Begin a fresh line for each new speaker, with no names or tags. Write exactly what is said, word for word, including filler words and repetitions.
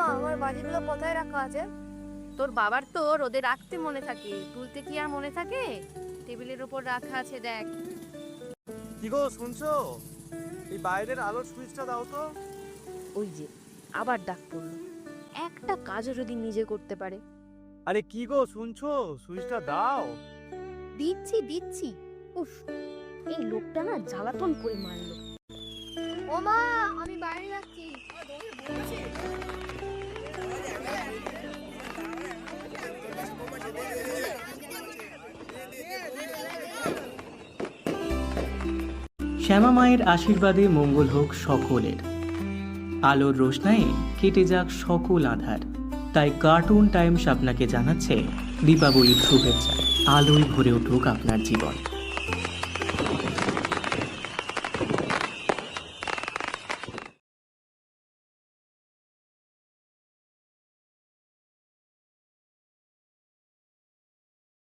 আমার বাজিগুলো কোথায় রাখা আছে?
তোর বাবার তো রোদে রাখতে মনে থাকে, তুলতে কি আর মনে থাকে? টেবিলের উপর রাখা আছে, দেখ।
কি গো শুনছো? এই বাইরের আলোর সুইচটা দাও তো।
ওই যে আবার ডাক পড়লো। একটা কাজও যদি নিজে করতে পারে।
আরে কি গো শুনছো? সুইচটা দাও।
দিচ্ছি দিচ্ছি। উফ, এই লোকটা না জ্বালাতন করে মারলো। ও মা, আমি বাইরে যাচ্ছি।
শ্যামা মায়ের আশীর্বাদে মঙ্গল হোক সকলের। আলোর রোশনায়ে কেটে যাক সকল আধার। তাই কার্টুন টাইমস আপনাকে জানাচ্ছে দীপাবলির শুভেচ্ছা। আলোয় ভরে উঠুক আপনার জীবন।